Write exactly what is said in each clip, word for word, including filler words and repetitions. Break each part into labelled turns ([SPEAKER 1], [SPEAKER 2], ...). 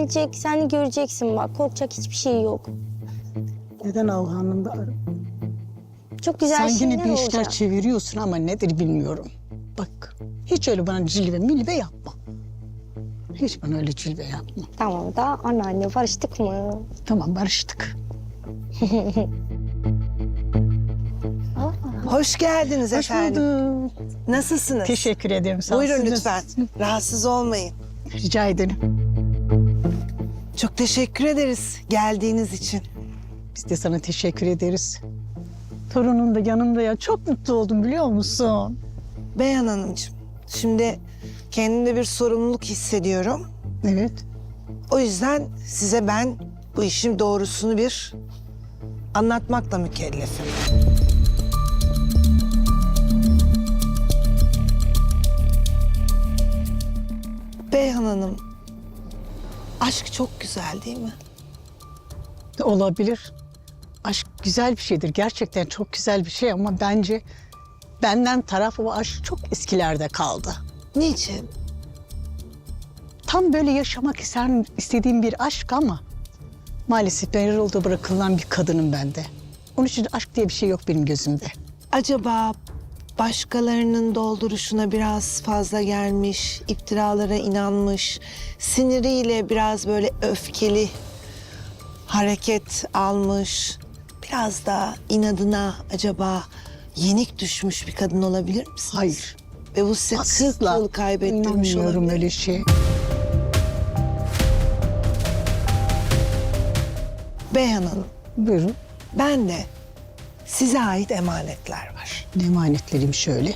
[SPEAKER 1] gelecek, sen de göreceksin bak. Korkacak hiçbir şey yok.
[SPEAKER 2] Neden Avhan'ım da arı?
[SPEAKER 1] Çok güzel
[SPEAKER 2] Sen
[SPEAKER 1] şeyler
[SPEAKER 2] yine bir işler
[SPEAKER 1] olacak.
[SPEAKER 2] çeviriyorsun ama nedir bilmiyorum. Bak hiç öyle bana cilve milve yapma. Hiç bana öyle cilve yapma.
[SPEAKER 1] Tamam da anneanne barıştık mı?
[SPEAKER 2] Tamam barıştık.
[SPEAKER 3] Hoş geldiniz
[SPEAKER 2] Hoş
[SPEAKER 3] efendim.
[SPEAKER 2] bulduk.
[SPEAKER 3] Nasılsınız?
[SPEAKER 2] Teşekkür ederim. Sağ ol.
[SPEAKER 3] Buyurun
[SPEAKER 2] Siz
[SPEAKER 3] lütfen.
[SPEAKER 2] nasılsınız?
[SPEAKER 3] Rahatsız olmayın.
[SPEAKER 2] Rica ederim.
[SPEAKER 3] Çok teşekkür ederiz geldiğiniz için.
[SPEAKER 2] Biz de sana teşekkür ederiz. Torunun da yanımda ya. Çok mutlu oldum biliyor musun?
[SPEAKER 3] Beyhan Hanımcığım, şimdi kendimde bir sorumluluk hissediyorum.
[SPEAKER 2] Evet.
[SPEAKER 3] O yüzden size ben bu işin doğrusunu bir anlatmakla mükellefim. Beyhan Hanım, aşk çok güzel değil mi?
[SPEAKER 2] Olabilir. Aşk güzel bir şeydir. Gerçekten çok güzel bir şey ama bence benden taraf o aşk çok eskilerde kaldı.
[SPEAKER 3] Niçin?
[SPEAKER 2] Tam böyle yaşamak ister, istediğim bir aşk ama maalesef ben yolda bırakılan bir kadınım ben de. Onun için aşk diye bir şey yok benim gözümde.
[SPEAKER 3] Acaba başkalarının dolduruşuna biraz fazla gelmiş, iftiralara inanmış, siniriyle biraz böyle öfkeli hareket almış, biraz da inadına acaba yenik düşmüş bir kadın olabilir misiniz?
[SPEAKER 2] Hayır.
[SPEAKER 3] Ve bu size kırk
[SPEAKER 2] Asla
[SPEAKER 3] yıl kaybettirmiş
[SPEAKER 2] inanmıyorum
[SPEAKER 3] olabilir.
[SPEAKER 2] öyle şey.
[SPEAKER 3] Beyhan Hanım,
[SPEAKER 2] Buyurun.
[SPEAKER 3] ben de size ait emanetler var.
[SPEAKER 2] Ne emanetlerim şöyle.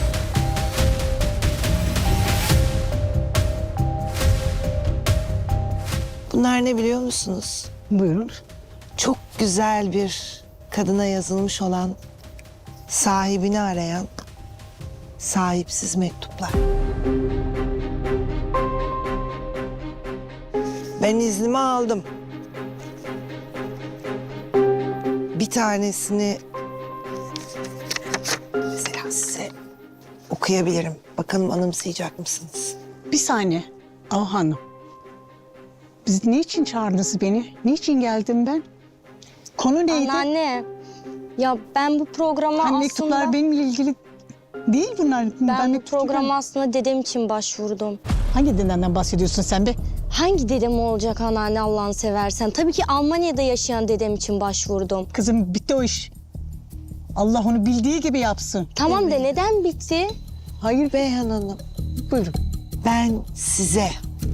[SPEAKER 3] Bunlar ne biliyor musunuz?
[SPEAKER 2] Buyurun.
[SPEAKER 3] Çok güzel bir kadına yazılmış olan, sahibini arayan sahipsiz mektuplar. Ben iznimi aldım. Bir tanesini mesela size okuyabilirim. Bakalım anımsayacak mısınız?
[SPEAKER 2] Bir saniye. Ah hanım. Biz niçin çağırdınız beni? Niçin geldim ben? Konu neydi?
[SPEAKER 1] Anneanne, ya ben bu programa
[SPEAKER 2] Hani
[SPEAKER 1] aslında...
[SPEAKER 2] mektuplar benimle ilgili değil bunlar.
[SPEAKER 1] Ben bu
[SPEAKER 2] mektup-
[SPEAKER 1] programa aslında dedem için başvurdum.
[SPEAKER 2] Hangi dedenden bahsediyorsun sen be?
[SPEAKER 1] Hangi dedem olacak anneanne Allah'ını seversen? Tabii ki Almanya'da yaşayan dedem için başvurdum.
[SPEAKER 2] Kızım bitti o iş. Allah onu bildiği gibi yapsın.
[SPEAKER 1] Tamam da neden bitti?
[SPEAKER 2] Hayır be.
[SPEAKER 3] Beyhan Hanım,
[SPEAKER 2] Buyurun.
[SPEAKER 3] ben size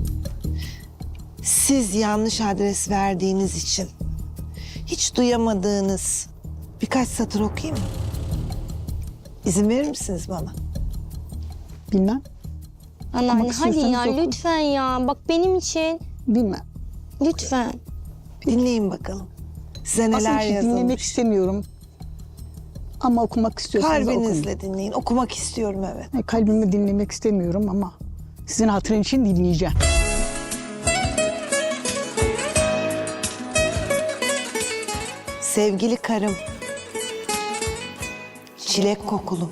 [SPEAKER 3] siz yanlış adres verdiğiniz için hiç duyamadığınız birkaç satır okuyayım mı? İzin verir misiniz bana?
[SPEAKER 2] Bilmem.
[SPEAKER 1] Anneanne hadi
[SPEAKER 2] istiyorsanız
[SPEAKER 1] ya
[SPEAKER 2] okun.
[SPEAKER 1] lütfen ya. Bak benim için
[SPEAKER 2] Bilmem.
[SPEAKER 1] lütfen.
[SPEAKER 3] Dinleyin bakalım. Size
[SPEAKER 2] Aslında
[SPEAKER 3] neler
[SPEAKER 2] bir şey dinlemek
[SPEAKER 3] yazılmış.
[SPEAKER 2] istemiyorum. Ama okumak istiyorsanız okuyun.
[SPEAKER 3] Kalbinizle dinleyin. Okumak istiyorum evet.
[SPEAKER 2] Yani kalbimi dinlemek istemiyorum ama sizin hatırın için dinleyeceğim.
[SPEAKER 3] Sevgili karım, çilek kokulum.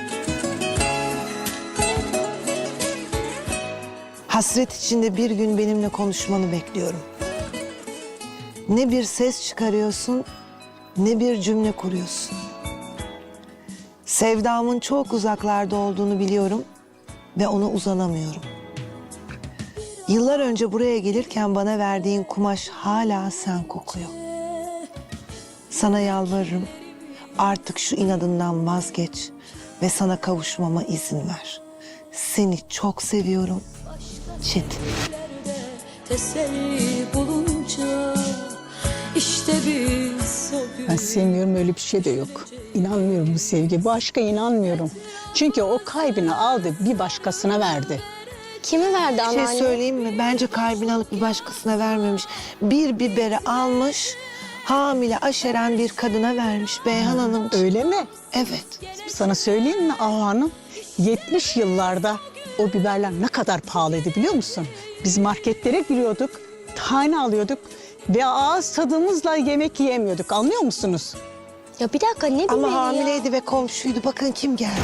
[SPEAKER 3] Hasret içinde bir gün benimle konuşmanı bekliyorum. Ne bir ses çıkarıyorsun, ne bir cümle kuruyorsun. Sevdamın çok uzaklarda olduğunu biliyorum ve ona uzanamıyorum. Yıllar önce buraya gelirken bana verdiğin kumaş hala sen kokuyor. Sana yalvarırım, artık şu inadından vazgeç ve sana kavuşmama izin ver. Seni çok seviyorum, Çetin.
[SPEAKER 4] Teselli bulunca işte biz o gün.
[SPEAKER 2] Ben sevmiyorum, öyle bir şey de yok. İnanmıyorum bu sevgi, bu aşka inanmıyorum. Çünkü o kalbini aldı, bir başkasına verdi.
[SPEAKER 1] Kimi verdi
[SPEAKER 3] Bir şey
[SPEAKER 1] anneanne?
[SPEAKER 3] söyleyeyim mi? Bence kalbini alıp bir başkasına vermemiş. Bir biberi almış, hamile aşeren bir kadına vermiş Beyhan Hanım.
[SPEAKER 2] Öyle mi?
[SPEAKER 3] Evet.
[SPEAKER 2] Sana söyleyeyim mi Ahu Hanım? yetmiş yıllarda o biberler ne kadar pahalıydı biliyor musun? Biz marketlere giriyorduk, tane alıyorduk ve ağız tadımızla yemek yiyemiyorduk. Anlıyor musunuz?
[SPEAKER 1] Ya bir dakika ne
[SPEAKER 3] Ama
[SPEAKER 1] biberi ya?
[SPEAKER 3] hamileydi ve komşuydu. Bakın kim geldi.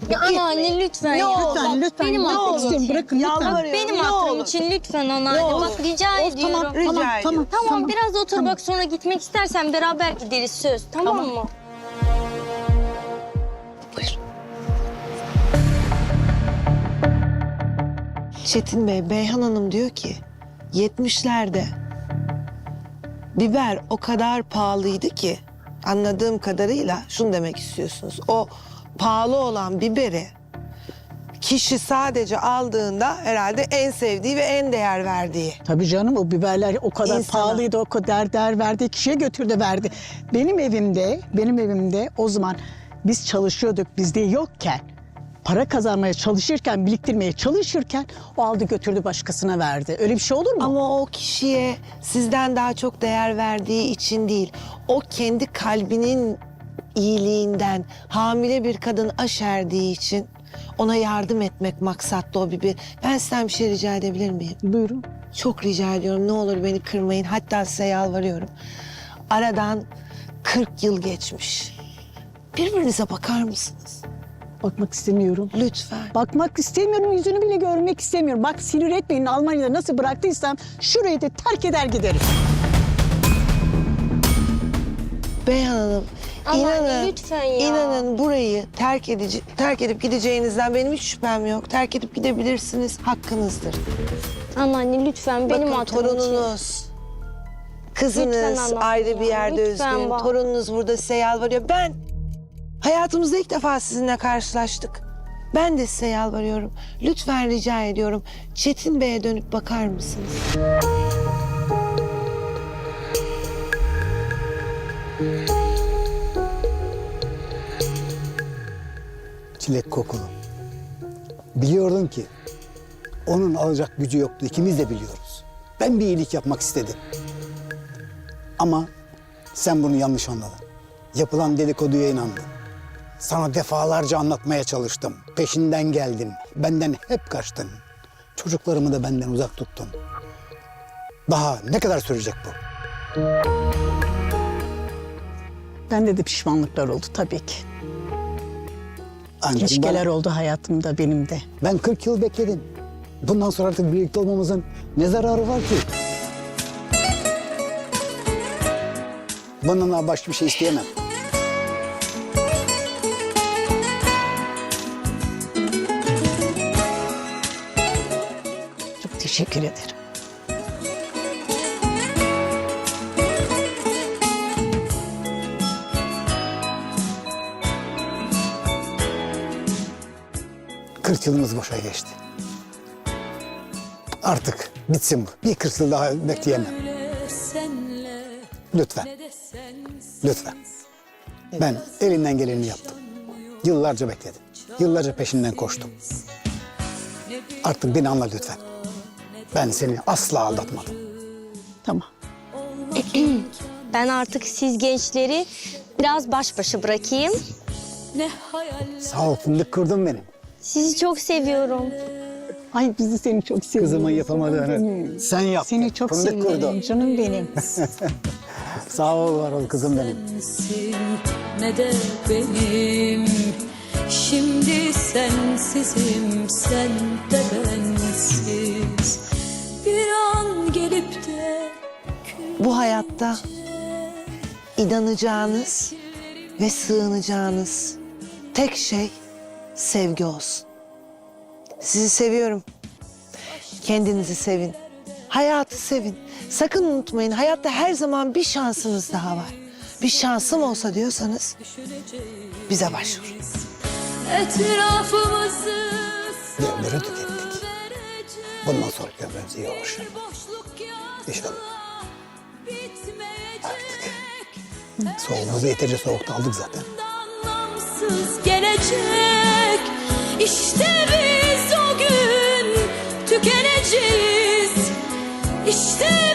[SPEAKER 1] Ya anneanne lütfen
[SPEAKER 3] Ne
[SPEAKER 1] ya.
[SPEAKER 3] olur,
[SPEAKER 1] Bak,
[SPEAKER 2] lütfen,
[SPEAKER 1] benim
[SPEAKER 2] ne
[SPEAKER 1] hatırım
[SPEAKER 2] olur,
[SPEAKER 1] için.
[SPEAKER 2] bırakın lütfen.
[SPEAKER 3] Yalvarıyorum,
[SPEAKER 1] Benim
[SPEAKER 3] ne
[SPEAKER 1] hatırım
[SPEAKER 3] olur.
[SPEAKER 1] için lütfen anneanne.
[SPEAKER 3] Ne olur.
[SPEAKER 1] Bak rica
[SPEAKER 2] Of,
[SPEAKER 1] ediyorum.
[SPEAKER 2] tamam,
[SPEAKER 3] Rica
[SPEAKER 2] tamam,
[SPEAKER 3] ediyorum.
[SPEAKER 2] tamam,
[SPEAKER 1] Tamam,
[SPEAKER 2] tamam.
[SPEAKER 1] biraz otur bak, sonra gitmek istersen beraber gideriz, söz. Tamam,
[SPEAKER 2] Tamam.
[SPEAKER 1] mı?
[SPEAKER 3] Çetin Bey, Beyhan Hanım diyor ki yetmişlerde biber o kadar pahalıydı ki, anladığım kadarıyla şunu demek istiyorsunuz. O pahalı olan biberi kişi sadece aldığında herhalde en sevdiği ve en değer verdiği.
[SPEAKER 2] Tabii canım, o biberler o kadar
[SPEAKER 3] İnsana.
[SPEAKER 2] pahalıydı, o kadar değer verdiği kişiye götürdü verdi. Benim evimde, benim evimde o zaman biz çalışıyorduk, bizde yokken, para kazanmaya çalışırken, biriktirmeye çalışırken o aldı götürdü başkasına verdi. Öyle bir şey olur mu?
[SPEAKER 3] Ama o kişiye sizden daha çok değer verdiği için değil, o kendi kalbinin iyiliğinden hamile bir kadın aşerdiği için ona yardım etmek maksatlı o biber. Ben sizden bir şey rica edebilir miyim?
[SPEAKER 2] Buyurun.
[SPEAKER 3] Çok rica ediyorum, ne olur beni kırmayın. Hatta size yalvarıyorum. Aradan kırk yıl geçmiş. Birbirinize bakar mısınız?
[SPEAKER 2] Bakmak istemiyorum.
[SPEAKER 3] Lütfen.
[SPEAKER 2] Bakmak istemiyorum, yüzünü bile görmek istemiyorum. Bak sinir etmeyin, Almanya'da nasıl bıraktıysam şurayı da terk eder giderim.
[SPEAKER 3] Beyhan Hanım,
[SPEAKER 1] Anneanne,
[SPEAKER 3] inanın,
[SPEAKER 1] lütfen ya.
[SPEAKER 3] inanın burayı terk edici, terk edip gideceğinizden benim hiç şüphem yok. Terk edip gidebilirsiniz, hakkınızdır.
[SPEAKER 1] Anneanne lütfen, benim
[SPEAKER 3] Bakın
[SPEAKER 1] hatırım için.
[SPEAKER 3] torununuz,
[SPEAKER 1] Lütfen
[SPEAKER 3] kızınız
[SPEAKER 1] anlatın
[SPEAKER 3] ayrı bir
[SPEAKER 1] ya,
[SPEAKER 3] yerde
[SPEAKER 1] lütfen
[SPEAKER 3] üzgün,
[SPEAKER 1] bak.
[SPEAKER 3] torununuz burada size yalvarıyor. Ben hayatımızda ilk defa sizinle karşılaştık. Ben de size yalvarıyorum. Lütfen rica ediyorum. Çetin Bey'e dönüp bakar mısınız?
[SPEAKER 5] Çilek kokulu. Biliyordum ki onun alacak gücü yoktu. İkimiz de biliyoruz. Ben bir iyilik yapmak istedim. Ama sen bunu yanlış anladın. Yapılan dedikoduya inandın. Sana defalarca anlatmaya çalıştım. Peşinden geldin. Benden hep kaçtın. Çocuklarımı da benden uzak tuttun. Daha ne kadar sürecek bu?
[SPEAKER 2] Bende de pişmanlıklar oldu tabii ki.
[SPEAKER 5] Ancak
[SPEAKER 2] İlişkiler
[SPEAKER 5] ben-
[SPEAKER 2] oldu hayatımda, benim de.
[SPEAKER 5] Ben kırk yıl bekledim. Bundan sonra artık birlikte olmamızın ne zararı var ki? Bundan daha başka bir şey isteyemem.
[SPEAKER 2] Çok teşekkür ederim.
[SPEAKER 5] kırk yılımız boşa geçti. Artık bitsin bu. Bir kırk yıl daha bekleyemem.
[SPEAKER 4] senle
[SPEAKER 5] Lütfen,
[SPEAKER 4] ne de sensiz.
[SPEAKER 5] lütfen. Ben elimden geleni yaptım. Yıllarca bekledim. Yıllarca peşinden koştum. Artık beni anla lütfen. Ben seni asla aldatmadım.
[SPEAKER 2] Tamam.
[SPEAKER 1] Ben artık siz gençleri biraz baş başa bırakayım.
[SPEAKER 4] Ne hayaller
[SPEAKER 5] Sağ ol, fındık kurdun benim.
[SPEAKER 1] Sizi çok seviyorum.
[SPEAKER 2] Ay bizi seni çok seviyorum.
[SPEAKER 5] Kızımın yapamadığını sen yaptın.
[SPEAKER 2] Seni çok
[SPEAKER 5] Fındık
[SPEAKER 2] seviyorum
[SPEAKER 5] kurdun.
[SPEAKER 2] canım benim.
[SPEAKER 5] Sağ ol, var ol kızım benim.
[SPEAKER 4] sensin ne de benim. Şimdi sensizim, sen de bensiz. Bir an gelip de
[SPEAKER 3] Bu hayatta inanacağınız ve sığınacağınız tek şey sevgi olsun. Sizi seviyorum. Kendinizi sevin. Hayatı sevin. Sakın unutmayın, hayatta her zaman bir şansınız daha var. Bir şansım olsa diyorsanız bize başvurun.
[SPEAKER 4] etrafımızı
[SPEAKER 5] Devleri tükettik. Bundan sonra ömrümüz iyi olur.
[SPEAKER 4] boşluk
[SPEAKER 5] İnşallah.
[SPEAKER 4] bitmeyecek.
[SPEAKER 5] Soğuğumuzu yeterince soğukta aldık zaten.
[SPEAKER 4] Anlamsız gelecek. İşte biz o gün tükeneceğiz. İşte